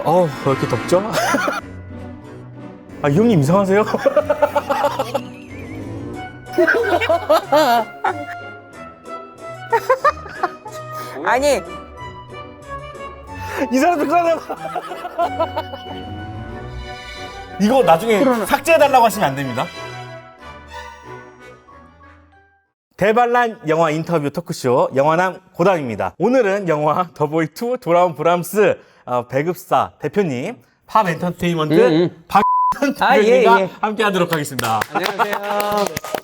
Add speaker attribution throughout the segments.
Speaker 1: 왜 이렇게 덥죠? 이 형님 이상하세요?
Speaker 2: 아니,
Speaker 1: 이 사람 듣거나 이거 나중에 삭제해달라고 하시면 안 됩니다. 대반란 영화 인터뷰 토크쇼 영화남 고담입니다. 오늘은 영화 더보이2 돌아온 브람스 배급사 대표님 팝 엔터테인먼트 박현 대표님과
Speaker 3: 예.
Speaker 1: 함께 하도록 하겠습니다.
Speaker 3: 안녕하세요.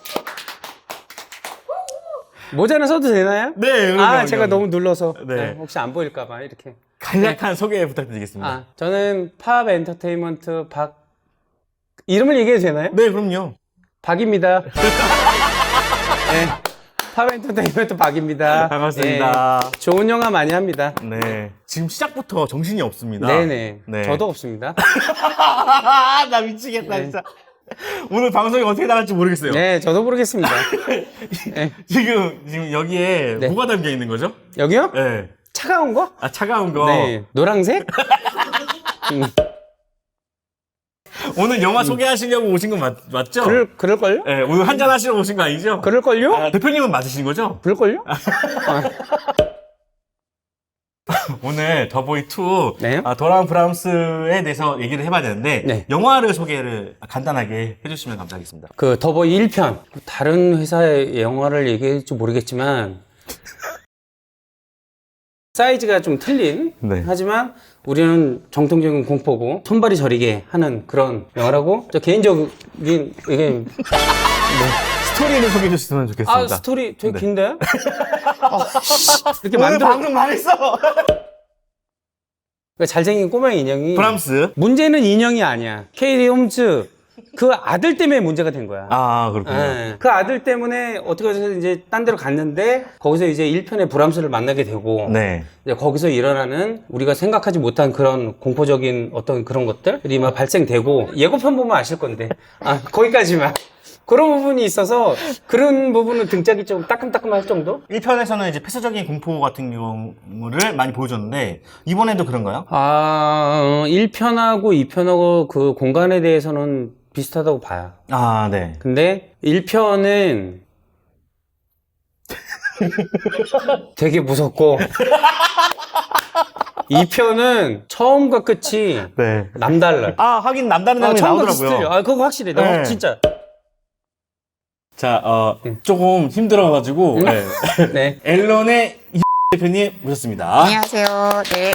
Speaker 3: 모자는 써도 되나요?
Speaker 1: 네, 그럼요.
Speaker 3: 제가 너무 눌러서
Speaker 1: 네.
Speaker 3: 혹시 안 보일까봐 이렇게.
Speaker 1: 간략한 소개 부탁드리겠습니다.
Speaker 3: 저는 팝 엔터테인먼트 이름을 얘기해도 되나요?
Speaker 1: 네, 그럼요.
Speaker 3: 박입니다. 네, 팝 엔터테인먼트 박입니다.
Speaker 1: 반갑습니다.
Speaker 3: 네, 좋은 영화 많이 합니다.
Speaker 1: 네. 지금 시작부터 정신이 없습니다.
Speaker 3: 네네.
Speaker 1: 네.
Speaker 3: 저도 없습니다.
Speaker 1: 나 미치겠다, 진짜. 오늘 방송이 어떻게 나갈지 모르겠어요.
Speaker 3: 네, 저도 모르겠습니다. 네.
Speaker 1: 지금 여기에
Speaker 3: 네.
Speaker 1: 뭐가 담겨 있는 거죠?
Speaker 3: 여기요?
Speaker 1: 네.
Speaker 3: 차가운 거?
Speaker 1: 차가운 거.
Speaker 3: 네. 노란색?
Speaker 1: 오늘 영화 소개하시려고 오신 건 맞죠?
Speaker 3: 그럴걸요?
Speaker 1: 네, 오늘 한잔 하시러 오신 거 아니죠?
Speaker 3: 그럴걸요?
Speaker 1: 대표님은 맞으신 거죠?
Speaker 3: 그럴걸요?
Speaker 1: 오늘 더보이2
Speaker 3: 네.
Speaker 1: 돌아온 브람스에 대해서 얘기를 해봐야 되는데
Speaker 3: 네.
Speaker 1: 영화를 소개를 간단하게 해주시면 감사하겠습니다.
Speaker 3: 그 더보이 1편. 다른 회사의 영화를 얘기할지 모르겠지만 사이즈가 좀 틀린
Speaker 1: 네.
Speaker 3: 하지만 우리는 정통적인 공포고 손발이 저리게 하는 그런 영화라고 저 개인적인 이게
Speaker 1: 스토리를 소개해 주셨으면 좋겠습니다.
Speaker 3: 스토리 되게
Speaker 1: 네.
Speaker 3: 긴데? 이렇게
Speaker 1: 오늘
Speaker 3: 만들어
Speaker 1: 방금 말했어!
Speaker 3: 그러니까 잘생긴 꼬마 인형이
Speaker 1: 브람스.
Speaker 3: 문제는 인형이 아니야. 케이리 홈즈 그 아들 때문에 문제가 된 거야.
Speaker 1: 그렇군요.
Speaker 3: 예. 그 아들 때문에 어떻게 해서 이제 딴 데로 갔는데 거기서 이제 1편의 브람스를 만나게 되고
Speaker 1: 네.
Speaker 3: 이제 거기서 일어나는 우리가 생각하지 못한 그런 공포적인 어떤 그런 것들이 막 발생되고 예고편 보면 아실 건데 거기까지만 그런 부분이 있어서 그런 부분은 등짝이 좀 따끔따끔할 정도?
Speaker 1: 1편에서는 이제 폐쇄적인 공포 같은 경우를 많이 보여줬는데 이번에도 그런가요?
Speaker 3: 1편하고 2편하고 그 공간에 대해서는 비슷하다고 봐요.
Speaker 1: 네.
Speaker 3: 근데 1편은 되게 무섭고 2편은 처음과 끝이
Speaker 1: 네.
Speaker 3: 남달라.
Speaker 1: 하긴 남다른 장면이
Speaker 3: 처음과 끝이
Speaker 1: 나오더라고요.
Speaker 3: 틀려. 그거 확실해.
Speaker 1: 네.
Speaker 3: 진짜.
Speaker 1: 자, 조금 힘들어가지고
Speaker 3: 네.
Speaker 1: 앨런의 대표님 모셨습니다.
Speaker 2: 안녕하세요. 네.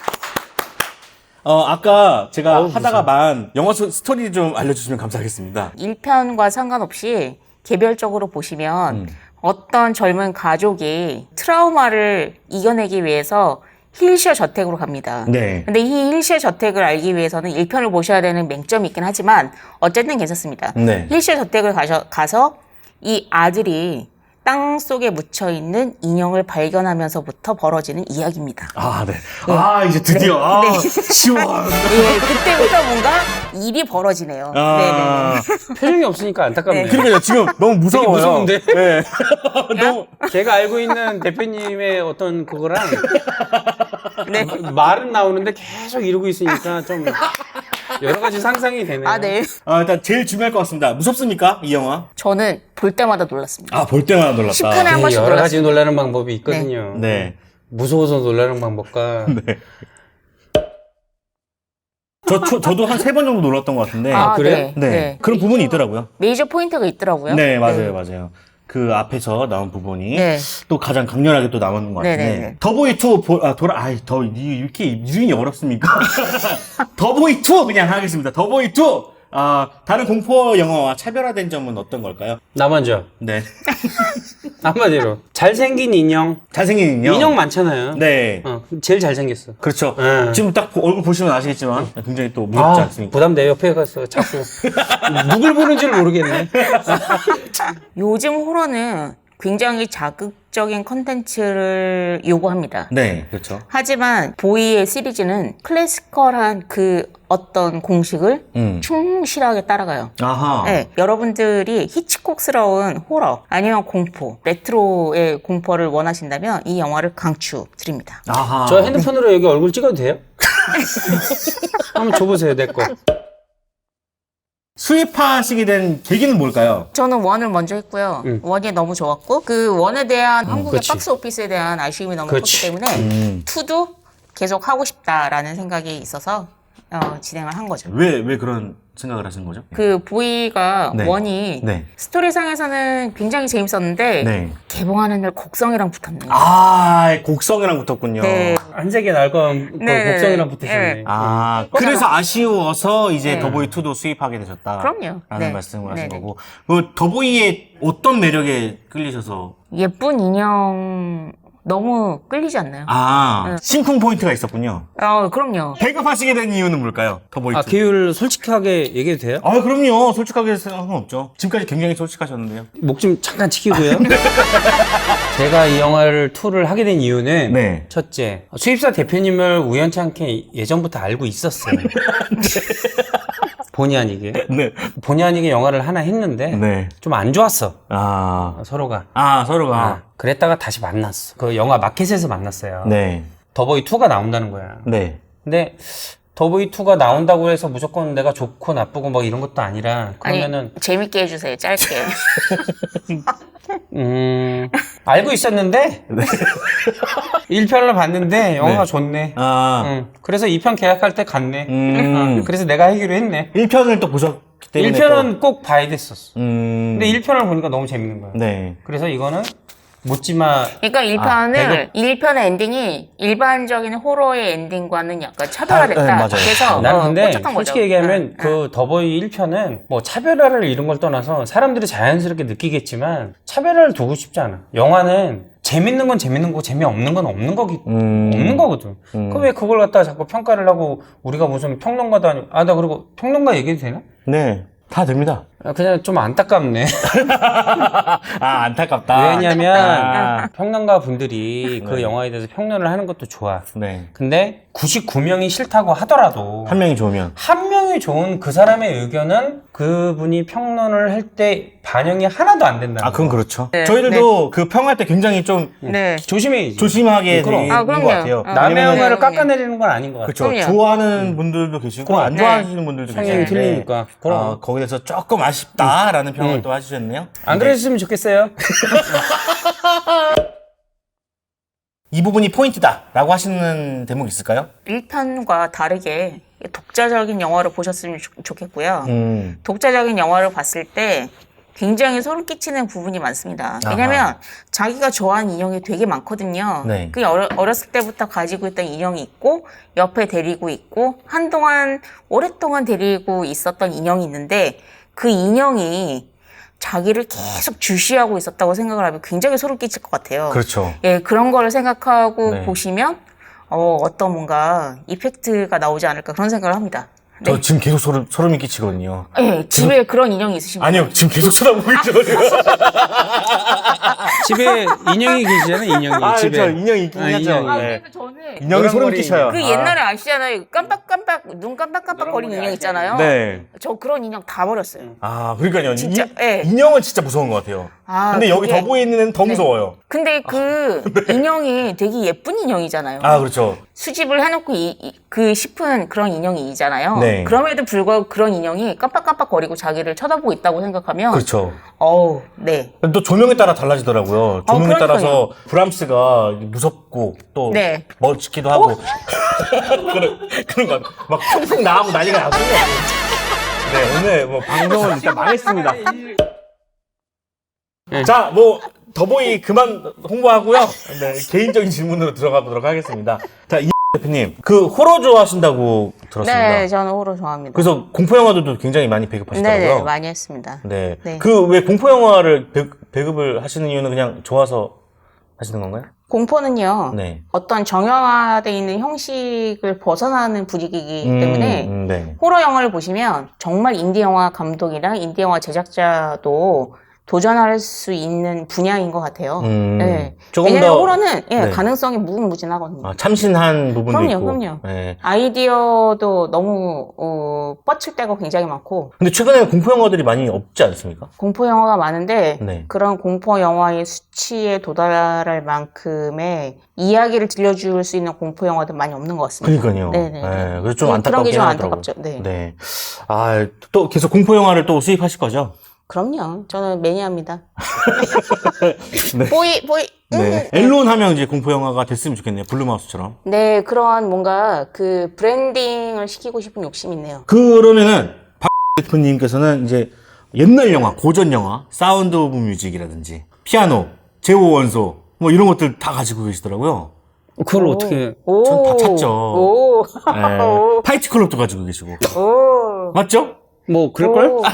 Speaker 1: 아까 제가 하다가만 영화 스토리 좀 알려주시면 감사하겠습니다.
Speaker 2: 1편과 상관없이 개별적으로 보시면 어떤 젊은 가족이 트라우마를 이겨내기 위해서 힐쉐어 저택으로 갑니다.
Speaker 1: 네.
Speaker 2: 근데 이 힐쉐어 저택을 알기 위해서는 1편을 보셔야 되는 맹점이 있긴 하지만 어쨌든 괜찮습니다.
Speaker 1: 네.
Speaker 2: 힐쉐어 저택을 가서 이 아들이 땅 속에 묻혀있는 인형을 발견하면서부터 벌어지는 이야기입니다.
Speaker 1: 네. 이제 드디어.
Speaker 2: 네.
Speaker 1: 시원.
Speaker 2: 예, 그때부터 뭔가 일이 벌어지네요. 네네.
Speaker 3: 표정이 없으니까 안타깝네요.
Speaker 1: 그러니까요, 지금 너무 무서워요.
Speaker 3: 되게 무서운데?
Speaker 1: 네. 너무.
Speaker 3: 제가 알고 있는 대표님의 어떤 그거랑
Speaker 2: 네.
Speaker 3: 말은 나오는데 계속 이러고 있으니까 좀 여러 가지 상상이 되네요.
Speaker 2: 네.
Speaker 1: 일단 제일 중요할 것 같습니다. 무섭습니까? 이 영화?
Speaker 2: 저는 볼 때마다 놀랐습니다.
Speaker 1: 볼 때마다 놀랐다.
Speaker 2: 10분에 한 번씩
Speaker 3: 여러 가지
Speaker 2: 놀랐습니다.
Speaker 3: 놀라는 방법이 있거든요.
Speaker 1: 네.
Speaker 3: 무서워서 놀라는 방법과
Speaker 1: 저도 한 3번 정도 놀랐던 것 같은데.
Speaker 3: 그래요?
Speaker 1: 네. 그런 부분이 있더라고요.
Speaker 2: 메이저 포인트가 있더라고요.
Speaker 1: 네, 맞아요. 그 앞에서 나온 부분이
Speaker 2: 네.
Speaker 1: 또 가장 강렬하게 또 나오는 것 같은데.
Speaker 2: 네네네.
Speaker 1: 더보이2 이렇게 이름이 어렵습니까? 더보이2 그냥 하겠습니다. 더보이2 다른 공포 영화와 차별화된 점은 어떤 걸까요?
Speaker 3: 나 먼저
Speaker 1: 네.
Speaker 3: 한마디로 잘생긴 인형.
Speaker 1: 잘생긴
Speaker 3: 인형 많잖아요.
Speaker 1: 네.
Speaker 3: 제일 잘생겼어.
Speaker 1: 그렇죠.
Speaker 3: 네.
Speaker 1: 지금 딱 얼굴 보시면 아시겠지만 굉장히 또 무섭지 않습니까?
Speaker 3: 부담 내 옆에 가서 자꾸 누굴 보는지를 모르겠네.
Speaker 2: 요즘 호러는 굉장히 자극적인 컨텐츠를 요구합니다.
Speaker 1: 네, 그렇죠.
Speaker 2: 하지만 보이의 시리즈는 클래시컬한 그 어떤 공식을 충실하게 따라가요.
Speaker 1: 아하.
Speaker 2: 네, 여러분들이 히치콕스러운 호러 아니면 공포, 레트로의 공포를 원하신다면 이 영화를 강추드립니다.
Speaker 1: 아하.
Speaker 3: 저 핸드폰으로 여기 얼굴 찍어도 돼요? 한번 줘보세요, 내 거.
Speaker 1: 수입하시게 된 계기는 뭘까요?
Speaker 2: 저는 원을 먼저 했고요. 원이 너무 좋았고 그 원에 대한 한국의
Speaker 3: 그치.
Speaker 2: 박스 오피스에 대한 아쉬움이 너무 컸기
Speaker 3: 그치.
Speaker 2: 때문에 투도 계속 하고 싶다라는 생각이 있어서 진행을 한 거죠.
Speaker 1: 왜 그런 생각을 하신 거죠?
Speaker 2: 그 보이가
Speaker 1: 네.
Speaker 2: 원이
Speaker 1: 네.
Speaker 2: 스토리상에서는 굉장히 재밌었는데
Speaker 1: 네.
Speaker 2: 개봉하는 날 곡성이랑 붙었네요.
Speaker 1: 아, 곡성이랑 붙었군요.
Speaker 2: 네.
Speaker 3: 한색의 날건
Speaker 2: 네.
Speaker 3: 곡성이랑 붙으셨네.
Speaker 2: 네.
Speaker 1: 아, 그래서 아쉬워서 이제
Speaker 2: 네.
Speaker 1: 더보이2도 수입하게 되셨다.
Speaker 2: 그럼요.
Speaker 1: 라는
Speaker 2: 네.
Speaker 1: 말씀을 하신
Speaker 2: 네네.
Speaker 1: 거고. 그 더보이의 어떤 매력에 끌리셔서.
Speaker 2: 예쁜 인형 너무 끌리지 않나요?
Speaker 1: 아, 심쿵 포인트가 있었군요.
Speaker 2: 그럼요.
Speaker 1: 배급하시게 된 이유는 뭘까요? 더보이2.
Speaker 3: 아, 계율 솔직하게 얘기해도 돼요?
Speaker 1: 아, 그럼요. 솔직하게 생각은 없죠. 지금까지 굉장히 솔직하셨는데요.
Speaker 3: 목 좀 잠깐 치키고요. 제가 이 영화를 투를 하게 된 이유는
Speaker 1: 네.
Speaker 3: 첫째, 수입사 대표님을 우연치 않게 예전부터 알고 있었어요. 본의 아니게.
Speaker 1: 네.
Speaker 3: 본의 아니게 영화를 하나 했는데
Speaker 1: 네.
Speaker 3: 좀 안 좋았어.
Speaker 1: 아,
Speaker 3: 서로가.
Speaker 1: 서로가.
Speaker 3: 그랬다가 다시 만났어. 그 영화 마켓에서 만났어요.
Speaker 1: 네.
Speaker 3: 더보이2가 나온다는 거야.
Speaker 1: 네.
Speaker 3: 근데 더보이2가 나온다고 해서 무조건 내가 좋고 나쁘고 막 이런 것도 아니라 그러면은
Speaker 2: 아니, 재밌게 해주세요. 짧게.
Speaker 3: 알고 있었는데 1편을 봤는데 영화가
Speaker 1: 네.
Speaker 3: 좋네. 그래서 2편 계약할 때 갔네. 그래서 내가 하기로 했네.
Speaker 1: 1편을 또 보셨기 때문에.
Speaker 3: 1편은 꼭 봐야 됐었어.
Speaker 1: 또,
Speaker 3: 근데 1편을 보니까 너무 재밌는 거야.
Speaker 1: 네.
Speaker 3: 그래서 이거는 묻지마.
Speaker 2: 그러니까 1편의 엔딩이 일반적인 호러의 엔딩과는 약간 차별화됐다.
Speaker 1: 네, 맞아요.
Speaker 2: 그래서
Speaker 3: 나는 근데
Speaker 2: 꽂혔던
Speaker 3: 솔직히
Speaker 2: 거죠.
Speaker 3: 얘기하면 그 더보이 1편은 뭐 차별화를 이런 걸 떠나서 사람들이 자연스럽게 느끼겠지만 차별화를 두고 싶지 않아. 영화는 재밌는 건 재밌는 거고 재미없는 건 없는 없는 거거든. 그럼 왜 그걸 갖다가 자꾸 평가를 하고 우리가 무슨 평론가도 아니고 나 그리고 평론가 얘기해도 되나?
Speaker 1: 네. 다 됩니다.
Speaker 3: 그냥 좀 안타깝네.
Speaker 1: 안타깝다.
Speaker 3: 왜냐면 평론가 분들이 그
Speaker 1: 네.
Speaker 3: 영화에 대해서 평론을 하는 것도 좋아.
Speaker 1: 네.
Speaker 3: 근데 99명이 싫다고 하더라도
Speaker 1: 한 명이 좋으면.
Speaker 3: 한 명이 좋은 그 사람의 의견은 그분이 평론을 할 때 반영이 하나도 안 된다.
Speaker 1: 그건 그렇죠.
Speaker 2: 네.
Speaker 1: 저희들도 그 평할 때 굉장히 좀
Speaker 2: 네.
Speaker 3: 조심해야지.
Speaker 1: 조심하게
Speaker 3: 그럼.
Speaker 1: 되는 것
Speaker 2: 그럼요.
Speaker 1: 같아요.
Speaker 3: 남의
Speaker 2: 왜냐면은-
Speaker 3: 영화를
Speaker 2: 네.
Speaker 3: 깎아내리는 건 아닌 것 같아.
Speaker 1: 그렇죠.
Speaker 2: 그럼요.
Speaker 1: 좋아하는 분들도 계시고 안
Speaker 2: 네.
Speaker 1: 좋아하시는 분들도
Speaker 3: 성향이
Speaker 1: 계시는데
Speaker 3: 틀리니까. 그럼.
Speaker 1: 거기에서 조금 아쉽다라는 평을 또 해주셨네요.
Speaker 3: 안 그랬으면 좋겠어요.
Speaker 1: 이 부분이 포인트다라고 하시는 대목 있을까요?
Speaker 2: 1편과 다르게 독자적인 영화를 보셨으면 좋겠고요.
Speaker 1: 음.
Speaker 2: 독자적인 영화를 봤을 때 굉장히 소름 끼치는 부분이 많습니다. 왜냐면 자기가 좋아하는 인형이 되게 많거든요.
Speaker 1: 네.
Speaker 2: 그 어렸을 때부터 가지고 있던 인형이 있고 옆에 데리고 있고 한동안 오랫동안 데리고 있었던 인형이 있는데 그 인형이 자기를 계속 주시하고 있었다고 생각을 하면 굉장히 소름 끼칠 것 같아요.
Speaker 1: 그렇죠.
Speaker 2: 예, 그런 거를 생각하고
Speaker 1: 네.
Speaker 2: 보시면 어떤 뭔가 이펙트가 나오지 않을까 그런 생각을 합니다.
Speaker 1: 저 지금 계속 소름이 끼치거든요.
Speaker 2: 예, 집에 그런 인형이 있으신가요?
Speaker 1: 아니요, 지금 계속 쳐다보고 있거든요.
Speaker 3: 집에 인형이 계시잖아요, 인형이. 집에.
Speaker 1: 저 인형이 있긴 하죠.
Speaker 3: 인형이.
Speaker 1: 네.
Speaker 2: 그래서 저는
Speaker 1: 인형이 소름
Speaker 3: 노란머리
Speaker 1: 끼쳐요.
Speaker 2: 그 옛날에 아시잖아요. 눈 깜빡깜빡 거리는 인형 있잖아요.
Speaker 1: 네.
Speaker 2: 저 그런 인형 다 버렸어요.
Speaker 1: 그러니까요.
Speaker 2: 진짜, 예.
Speaker 1: 인형은 진짜 무서운 것 같아요. 근데 여기
Speaker 2: 그게-
Speaker 1: 더보이에 있는 애는 더 무서워요.
Speaker 2: 근데 그 인형이 되게 예쁜 인형이잖아요.
Speaker 1: 그렇죠.
Speaker 2: 수집을 해놓고 싶은 그런 인형이잖아요.
Speaker 1: 네.
Speaker 2: 그럼에도 불구하고 그런 인형이 깜빡깜빡 거리고 자기를 쳐다보고 있다고 생각하면
Speaker 1: 그렇죠.
Speaker 2: 네.
Speaker 1: 또 조명에 따라 달라지더라고요. 조명에
Speaker 2: 그러니까요.
Speaker 1: 따라서 브람스가 무섭고 또
Speaker 2: 네.
Speaker 1: 멋지기도 하고 그런 거 막 퐁퐁 나가고 난리가 나거든요. 네, 오늘 뭐 방송은 일단 망했습니다. 자, 더보이 그만 홍보하고요. 네, 개인적인 질문으로 들어가 보도록 하겠습니다. 자, 이 대표님, 그 호러 좋아하신다고 들었습니다.
Speaker 2: 네, 저는 호러 좋아합니다.
Speaker 1: 그래서 공포 영화들도 굉장히 많이 배급하시더라고요.
Speaker 2: 네, 많이 했습니다.
Speaker 1: 네.
Speaker 2: 네.
Speaker 1: 그 왜 공포 영화를 배급을 하시는 이유는 그냥 좋아서 하시는 건가요?
Speaker 2: 공포는요,
Speaker 1: 네.
Speaker 2: 어떤 정형화되어 있는 형식을 벗어나는 분위기이기 때문에
Speaker 1: 네.
Speaker 2: 호러 영화를 보시면 정말 인디 영화 감독이랑 인디 영화 제작자도 도전할 수 있는 분야인 것 같아요. 네.
Speaker 1: 조금
Speaker 2: 왜냐면
Speaker 1: 더
Speaker 2: 호러는
Speaker 1: 네.
Speaker 2: 가능성이 무궁무진하거든요.
Speaker 1: 참신한 부분도
Speaker 2: 그럼요,
Speaker 1: 있고.
Speaker 2: 그럼요.
Speaker 1: 네.
Speaker 2: 아이디어도 너무 뻗칠 때가 굉장히 많고
Speaker 1: 근데 최근에 공포 영화들이 많이 없지 않습니까?
Speaker 2: 공포 영화가 많은데
Speaker 1: 네.
Speaker 2: 그런 공포 영화의 수치에 도달할 만큼의 이야기를 들려줄 수 있는 공포 영화도 많이 없는 것 같습니다.
Speaker 1: 그러니까요.
Speaker 2: 네네.
Speaker 1: 네, 그래서 좀
Speaker 2: 그런 게
Speaker 1: 안타깝긴
Speaker 2: 좀
Speaker 1: 하더라고요.
Speaker 2: 안타깝죠. 네.
Speaker 1: 네. 아, 또 계속 공포 영화를 또 수입하실 거죠?
Speaker 2: 그럼요. 저는 매니아입니다.
Speaker 1: 네.
Speaker 2: 보이.
Speaker 1: 네. 엘론 하면 이제 공포 영화가 됐으면 좋겠네요. 블루마우스처럼.
Speaker 2: 네, 그런 뭔가 그 브랜딩을 시키고 싶은 욕심이 있네요.
Speaker 1: 그러면은 박 대표님께서는 이제 옛날 영화, 고전 영화, 사운드 오브 뮤직이라든지 피아노, 제오 원소 뭐 이런 것들 다 가지고 계시더라고요.
Speaker 3: 그걸 어떻게
Speaker 1: 전 다 찾죠.
Speaker 2: 오.
Speaker 1: 네. 파이트 클럽도 가지고 계시고.
Speaker 2: 오.
Speaker 1: 맞죠?
Speaker 3: 뭐 그럴걸?
Speaker 2: 오.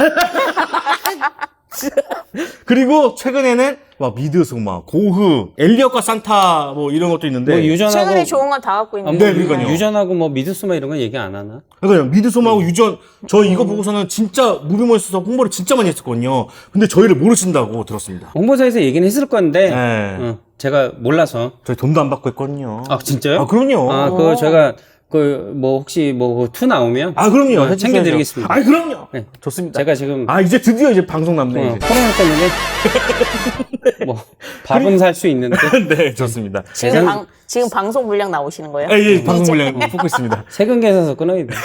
Speaker 1: 그리고 최근에는 막 미드소마, 고흐, 엘리엇과 산타 뭐 이런 것도 있는데.
Speaker 3: 뭐 유전하고
Speaker 2: 최근에 좋은 건 다 갖고 있는
Speaker 1: 네, 그러니까요.
Speaker 3: 유전하고 뭐 미드스마 이런 건 얘기 안 하나?
Speaker 1: 그러니까요. 미드소마하고 유전, 저 이거 보고서는 진짜 무비머스에서 홍보를 진짜 많이 했었거든요. 근데 저희를 모르신다고 들었습니다.
Speaker 3: 홍보사에서 얘기는 했을 건데
Speaker 1: 네.
Speaker 3: 제가 몰라서.
Speaker 1: 저희 돈도 안 받고 했거든요.
Speaker 3: 아 진짜요?
Speaker 1: 아, 그럼요.
Speaker 3: 아 그거 제가 그 뭐 혹시 뭐 투 나오면
Speaker 1: 아, 그럼요. 해주셔야죠.
Speaker 3: 챙겨드리겠습니다.
Speaker 1: 아, 그럼요.
Speaker 3: 네.
Speaker 1: 좋습니다.
Speaker 3: 제가 지금
Speaker 1: 아, 이제 드디어 이제 방송 남네. 이제.
Speaker 3: 코로나 때문에 뭐 밥은 살 수 있는데
Speaker 1: 네, 좋습니다.
Speaker 2: 지금 방송 분량 나오시는 거예요?
Speaker 1: 아, 예, 방송 분량 뽑고 있습니다.
Speaker 3: 세금 계산서 끊어야 돼.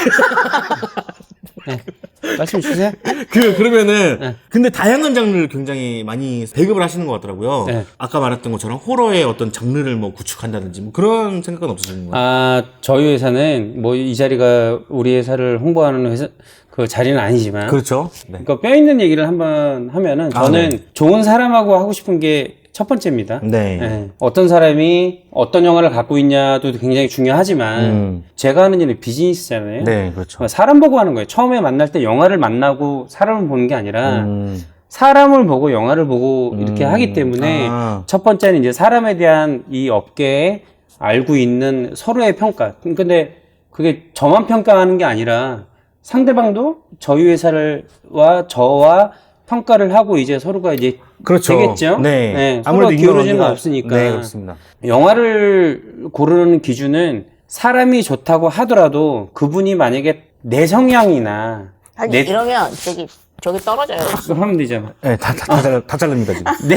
Speaker 3: 네. 말씀 주세요.
Speaker 1: 그러면은,
Speaker 3: 네.
Speaker 1: 근데 다양한 장르를 굉장히 많이 배급을 하시는 것 같더라고요.
Speaker 3: 네.
Speaker 1: 아까 말했던 것처럼 호러의 어떤 장르를 뭐 구축한다든지 뭐 그런 생각은 없으시는 거예요?
Speaker 3: 아 저희 회사는 뭐 이 자리가 우리 회사를 홍보하는 회사 그 자리는 아니지만
Speaker 1: 그렇죠. 네.
Speaker 3: 그러니까 뼈 있는 얘기를 한번 하면은 저는
Speaker 1: 네.
Speaker 3: 좋은 사람하고 하고 싶은 게 첫 번째입니다.
Speaker 1: 네.
Speaker 3: 예. 어떤 사람이 어떤 영화를 갖고 있냐도 굉장히 중요하지만 제가 하는 일은 비즈니스잖아요.
Speaker 1: 네, 그렇죠.
Speaker 3: 그러니까 사람 보고 하는 거예요. 처음에 만날 때 영화를 만나고 사람을 보는 게 아니라
Speaker 1: 음.
Speaker 3: 사람을 보고 영화를 보고 이렇게 하기 때문에
Speaker 1: 아.
Speaker 3: 첫 번째는 이제 사람에 대한 이 업계에 알고 있는 서로의 평가. 근데 그게 저만 평가하는 게 아니라 상대방도 저희 회사와 저와 평가를 하고 이제 서로가 이제
Speaker 1: 그렇죠.
Speaker 3: 되겠죠.
Speaker 1: 네.
Speaker 3: 서로
Speaker 1: 아무래도
Speaker 3: 기울어지는 건
Speaker 1: 인간관계가-
Speaker 3: 없으니까.
Speaker 1: 네, 그렇습니다.
Speaker 3: 영화를 고르는 기준은 사람이 좋다고 하더라도 그분이 만약에 내 성향이나
Speaker 2: 아니,
Speaker 3: 내
Speaker 2: 이러면 저기 떨어져요.
Speaker 3: 그거 하면 되잖아.
Speaker 1: 네, 다 자릅니다, 지금.
Speaker 3: 내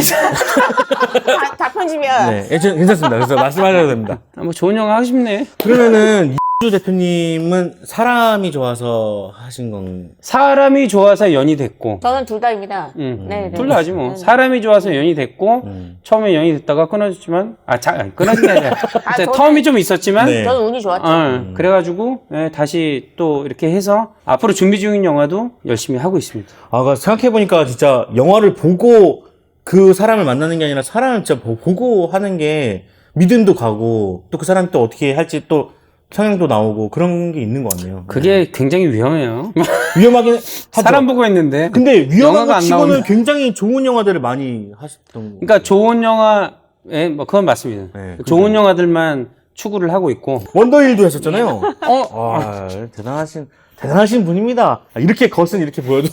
Speaker 2: 다 편집이야.
Speaker 1: 네, 괜찮습니다. 그래서 말씀하셔도 됩니다.
Speaker 3: 뭐 좋은 영화 하고 싶네.
Speaker 1: 그러면은, 이주 대표님은 사람이 좋아서 하신 건,
Speaker 3: 사람이 좋아서 연이 됐고,
Speaker 2: 저는 둘 다입니다.
Speaker 3: 네,
Speaker 2: 네.
Speaker 3: 둘 다지 뭐. 사람이 좋아서 연이 됐고, 처음에 연이 됐다가 끊어졌지만, 끊어진 게 아니라,
Speaker 2: 저는-
Speaker 3: 텀이 좀 있었지만,
Speaker 1: 네.
Speaker 2: 저는 운이 좋았죠.
Speaker 3: 그래가지고, 다시 또 이렇게 해서, 앞으로 준비 중인 영화도 열심히 하고 있습니다.
Speaker 1: 아, 생각해보니까 진짜 영화를 보고 그 사람을 만나는 게 아니라 사람을 진짜 보고 하는 게 믿음도 가고 또 그 사람이 또 어떻게 할지 또 성향도 나오고 그런 게 있는 것 같네요.
Speaker 3: 그게 굉장히 위험해요.
Speaker 1: 위험하긴 하죠.
Speaker 3: 사람 보고 했는데.
Speaker 1: 근데 위험한
Speaker 3: 영화가
Speaker 1: 것
Speaker 3: 안
Speaker 1: 치고는
Speaker 3: 나오면.
Speaker 1: 굉장히 좋은 영화들을 많이 하셨던 거.
Speaker 3: 그러니까 좋은 영화에, 뭐, 그건 맞습니다.
Speaker 1: 네,
Speaker 3: 좋은 영화들만 추구를 하고 있고,
Speaker 1: 원더힐도 했었잖아요. 아, 대단하신 분입니다. 아, 이렇게 겉은 이렇게 보여도.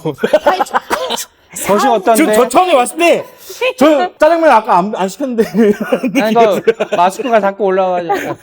Speaker 3: 것이 어떤데?
Speaker 1: 저 처음에 왔을 때, 저 짜장면 아까 안 시켰는데.
Speaker 3: 아니, 그, 마스크가 자꾸 올라와가지고.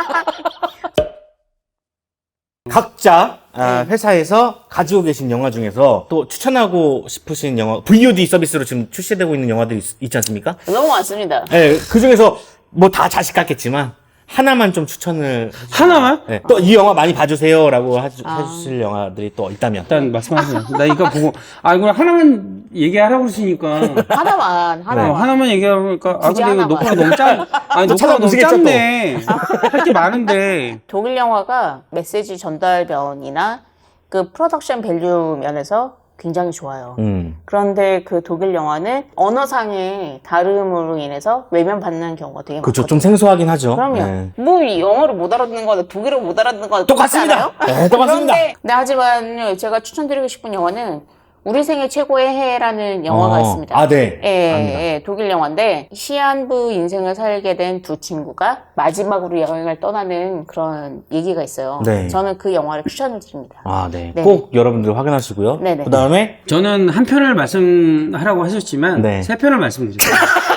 Speaker 1: 각자 회사에서 가지고 계신 영화 중에서 또 추천하고 싶으신 영화, VOD 서비스로 지금 출시되고 있는 영화들이 있지 않습니까?
Speaker 2: 너무 많습니다.
Speaker 1: 네, 그 중에서 뭐 다 자식 같겠지만 하나만 좀 추천을
Speaker 3: 하나만?
Speaker 1: 네, 또 이 영화 많이 봐주세요라고 해주실 영화들이 또 있다면.
Speaker 3: 일단 말씀하세요. 나 이거 보고, 이거 하나만 얘기하라고 그러시니까. 하나만 얘기하니까,
Speaker 2: 굳이
Speaker 3: 근데 이거
Speaker 2: 하나만.
Speaker 3: 녹화가 너무 녹화가 너무
Speaker 1: 찾아보시겠죠,
Speaker 3: 짧네. 할 게 많은데.
Speaker 2: 독일 영화가 메시지 전달면이나 그 프로덕션 밸류 면에서 굉장히 좋아요. 그런데 그 독일 영화는 언어상의 다름으로 인해서 외면받는 경우가 되게
Speaker 1: 그렇죠.
Speaker 2: 많거든요.
Speaker 1: 좀 생소하긴 하죠.
Speaker 2: 그럼요.
Speaker 1: 네.
Speaker 2: 뭐 이 영어를 못 알아듣는 거나 독일어 못 알아듣는 거나
Speaker 1: 똑같습니다.
Speaker 2: 똑같지 않아요?
Speaker 1: 네, 똑같습니다.
Speaker 2: 그런데 하지만 제가 추천드리고 싶은 영화는 우리 생애 최고의 해라는 영화가 있습니다.
Speaker 1: 아, 네.
Speaker 2: 예,
Speaker 1: 압니다.
Speaker 2: 예, 독일 영화인데 시한부 인생을 살게 된 두 친구가 마지막으로 여행을 떠나는 그런 얘기가 있어요.
Speaker 1: 네.
Speaker 2: 저는 그 영화를 추천을 드립니다.
Speaker 1: 아, 네.
Speaker 2: 네네.
Speaker 1: 꼭 여러분들 확인하시고요.
Speaker 2: 네네.
Speaker 1: 그 다음에
Speaker 3: 저는 한 편을 말씀하라고 하셨지만
Speaker 1: 네.
Speaker 3: 세 편을 말씀드릴게요.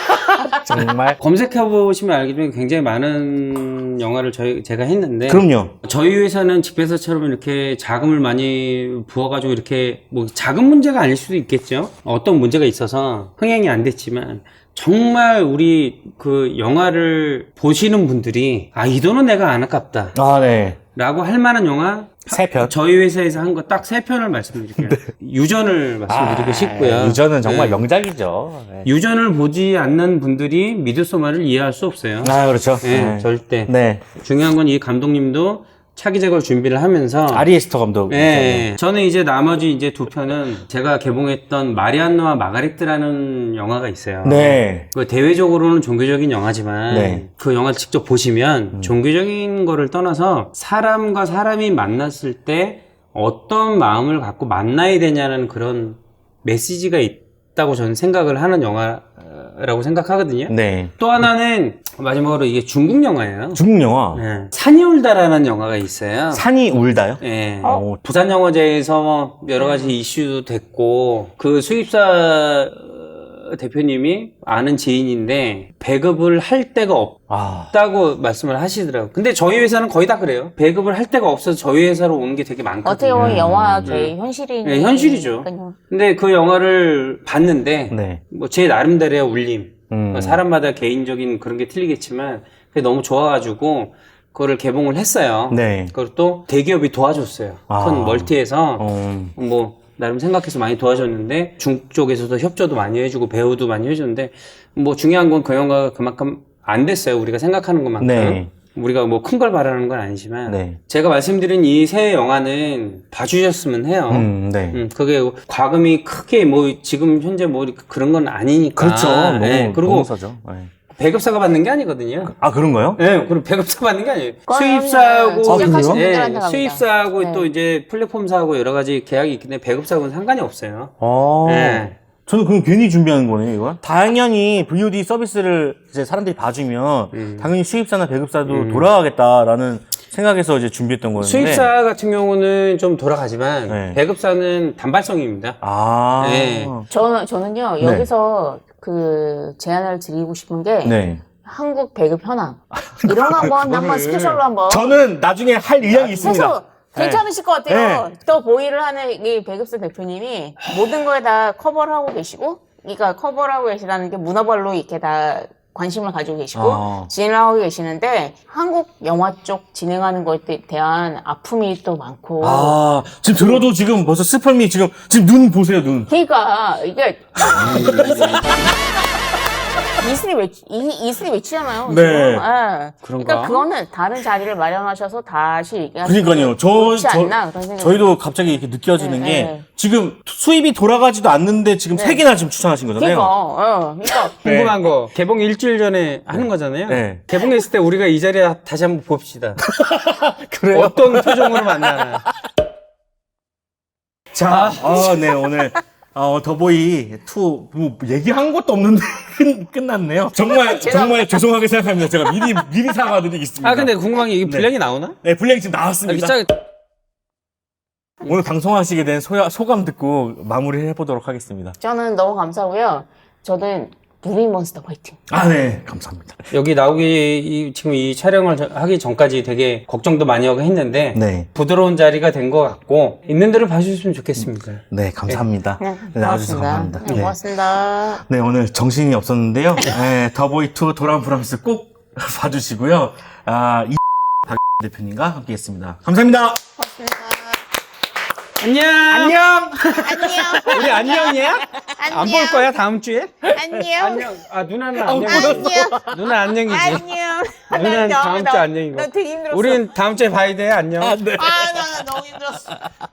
Speaker 1: 정말
Speaker 3: 검색해보시면 알겠지만 굉장히 많은 영화를 제가 했는데
Speaker 1: 그럼요.
Speaker 3: 저희 회사는 집회사처럼 이렇게 자금을 많이 부어가지고 이렇게 뭐 자금 문제가 아닐 수도 있겠죠. 어떤 문제가 있어서 흥행이 안 됐지만 정말 우리 그 영화를 보시는 분들이 아, 이 돈은 내가 안 아깝다
Speaker 1: 아, 네.
Speaker 3: 라고 할 만한 영화
Speaker 1: 세 편.
Speaker 3: 저희 회사에서 한 거 딱 세 편을 말씀드릴게요. 유전을 말씀드리고 싶고요.
Speaker 1: 유전은 정말
Speaker 3: 네.
Speaker 1: 명작이죠. 네.
Speaker 3: 유전을 보지 않는 분들이 미드소마를 이해할 수 없어요.
Speaker 1: 아, 그렇죠.
Speaker 3: 네,
Speaker 1: 네.
Speaker 3: 절대.
Speaker 1: 네.
Speaker 3: 중요한 건 이 감독님도 차기 제걸 준비를 하면서
Speaker 1: 아리에스터 감독.
Speaker 3: 네, 저는 이제 나머지 이제 두 편은 제가 개봉했던 마리안느와 마가레트라는 영화가 있어요.
Speaker 1: 네.
Speaker 3: 그 대외적으로는 종교적인 영화지만
Speaker 1: 네.
Speaker 3: 그 영화를 직접 보시면 종교적인 거를 떠나서 사람과 사람이 만났을 때 어떤 마음을 갖고 만나야 되냐는 그런 메시지가 있다고 저는 생각을 하는 영화라고 생각하거든요.
Speaker 1: 네.
Speaker 3: 또 하나는 마지막으로 이게 중국 영화예요.
Speaker 1: 중국 영화.
Speaker 3: 네. 산이 울다라는 영화가 있어요.
Speaker 1: 산이 울다요?
Speaker 3: 예.
Speaker 1: 어?
Speaker 3: 부산 영화제에서 여러 가지 이슈도 됐고 그 수입사 대표님이 아는 지인인데 배급을 할 데가
Speaker 1: 아.
Speaker 3: 없다고 말씀을 하시더라고요. 근데 저희 회사는 거의 다 그래요. 배급을 할 데가 없어서 저희 회사로 오는 게 되게 많거든요.
Speaker 2: 어떻게 보면 영화계의 현실이
Speaker 3: 네, 현실이죠. 근데 그 영화를 봤는데
Speaker 1: 네.
Speaker 3: 뭐 제 나름대로의 울림.
Speaker 1: 음.
Speaker 3: 사람마다 개인적인 그런 게 틀리겠지만 그게 너무 좋아가지고 그거를 개봉을 했어요.
Speaker 1: 네.
Speaker 3: 그걸 또 대기업이 도와줬어요.
Speaker 1: 아.
Speaker 3: 큰 멀티에서
Speaker 1: 어.
Speaker 3: 뭐 나름 생각해서 많이 도와줬는데 중쪽에서도 협조도 많이 해주고 배우도 많이 해줬는데 뭐 중요한 건 그 영화가 그만큼 안 됐어요. 우리가 생각하는 것만큼.
Speaker 1: 네.
Speaker 3: 우리가 뭐 큰 걸 바라는 건 아니지만
Speaker 1: 네.
Speaker 3: 제가 말씀드린 이 세 영화는 봐주셨으면 해요.
Speaker 1: 네.
Speaker 3: 그게 과금이 크게 뭐 지금 현재 뭐 그런 건 아니니까.
Speaker 1: 그렇죠. 너무,
Speaker 3: 네, 그리고
Speaker 1: 너무 싸죠. 네.
Speaker 3: 배급사가 받는 게 아니거든요.
Speaker 1: 아, 그런가요?
Speaker 3: 네, 그리고 배급사 받는 게 아니에요.
Speaker 2: 그거는
Speaker 3: 수입사하고,
Speaker 1: 시작하신
Speaker 2: 분들한테
Speaker 3: 예,
Speaker 2: 갑니다.
Speaker 3: 수입사하고
Speaker 2: 네.
Speaker 3: 또 이제 플랫폼사하고 여러 가지 계약이 있기 때문에 배급사하고는 상관이 없어요.
Speaker 1: 아.
Speaker 3: 네.
Speaker 1: 저는 그럼 괜히 준비하는 거네요, 이거? 당연히 VOD 서비스를 이제 사람들이 봐주면, 당연히 수입사나 배급사도 돌아가겠다라는 생각에서 이제 준비했던 거였는데.
Speaker 3: 수입사 같은 경우는 좀 돌아가지만
Speaker 1: 네.
Speaker 3: 배급사는 단발성입니다.
Speaker 1: 아.
Speaker 3: 네.
Speaker 2: 저는요
Speaker 1: 네.
Speaker 2: 여기서 그 제안을 드리고 싶은 게
Speaker 1: 네.
Speaker 2: 한국 배급 현황 이런 거 한번 스페셜로 한번
Speaker 1: 저는 나중에 할 의향이 있습니다.
Speaker 2: 해서 괜찮으실 것 같아요.
Speaker 1: 네.
Speaker 2: 또 보이를 하는 이 배급사 대표님이 모든 거에 다 커버를 하고 계시고, 그러니까 커버를 하고 계시다는 게 문화발로 이렇게 다 관심을 가지고 계시고
Speaker 1: 아.
Speaker 2: 진행을 하고 계시는데 한국 영화 쪽 진행하는 것에 대한 아픔이 또 많고.
Speaker 1: 아, 지금 들어도 지금 벌써 스펄미 지금 눈 보세요, 눈.
Speaker 2: 그러니까 이게 이슬이 외치잖아요.
Speaker 1: 네.
Speaker 2: 지금. 예.
Speaker 1: 그런가?
Speaker 2: 그러니까 그거는 다른 자리를 마련하셔서 다시 얘기하시면
Speaker 1: 그러니까요.
Speaker 2: 좋지 않나 그런 생각이.
Speaker 1: 저희도 갑자기 이렇게 느껴지는
Speaker 2: 네,
Speaker 1: 게
Speaker 2: 네.
Speaker 1: 지금 수입이 돌아가지도 않는데 지금
Speaker 2: 네.
Speaker 1: 세 개나 지금 추천하신 거잖아요.
Speaker 2: 그러니까
Speaker 3: 궁금한 거 개봉 일주일 전에 하는 거잖아요.
Speaker 1: 네.
Speaker 3: 개봉했을 때 우리가 이 자리에 다시 한번 봅시다.
Speaker 1: 그래요?
Speaker 3: 어떤 표정으로 만나나.
Speaker 1: 자, 네, 오늘. 더보이 2, 뭐, 얘기한 것도 없는데, 끝났네요. 정말 죄송하게 생각합니다. 제가 미리 사과드리겠습니다.
Speaker 3: 아 근데 궁금한 게 이게 분량이 나오나?
Speaker 1: 네, 분량이 지금
Speaker 3: 아,
Speaker 1: 나왔습니다. 오늘 방송하시게 된 소감 듣고 마무리를 해보도록 하겠습니다.
Speaker 2: 저는 너무 감사하고요. 저는 무비몬스터 화이팅.
Speaker 1: 아, 네, 감사합니다.
Speaker 3: 여기 나오기 지금 이 촬영을 하기 전까지 되게 걱정도 많이 하고 했는데
Speaker 1: 네.
Speaker 3: 부드러운 자리가 된 것 같고 있는 대로 봐주셨으면 좋겠습니다.
Speaker 1: 네, 감사합니다. 네, 아주 감사합니다.
Speaker 2: 네, 고맙습니다.
Speaker 1: 네, 오늘 정신이 없었는데요. 네, 더보이2 돌아온 브람스 꼭 봐주시고요. 박 대표님과 함께 했습니다. 감사합니다.
Speaker 3: 안녕.
Speaker 1: 안녕!
Speaker 3: 우리 안녕이야? 안 볼 거야 다음 주에?
Speaker 2: 안녕.
Speaker 3: 안녕. 아 누나는 안녕이지.
Speaker 2: 안녕.
Speaker 3: 누나 안녕이지.
Speaker 2: 안녕.
Speaker 3: 누나는 다음 주 안녕이고.
Speaker 2: 나 되게 힘들었어.
Speaker 3: 우린 다음 주에 봐야 돼. 안녕.
Speaker 1: 네.
Speaker 2: 나 너무 힘들었어.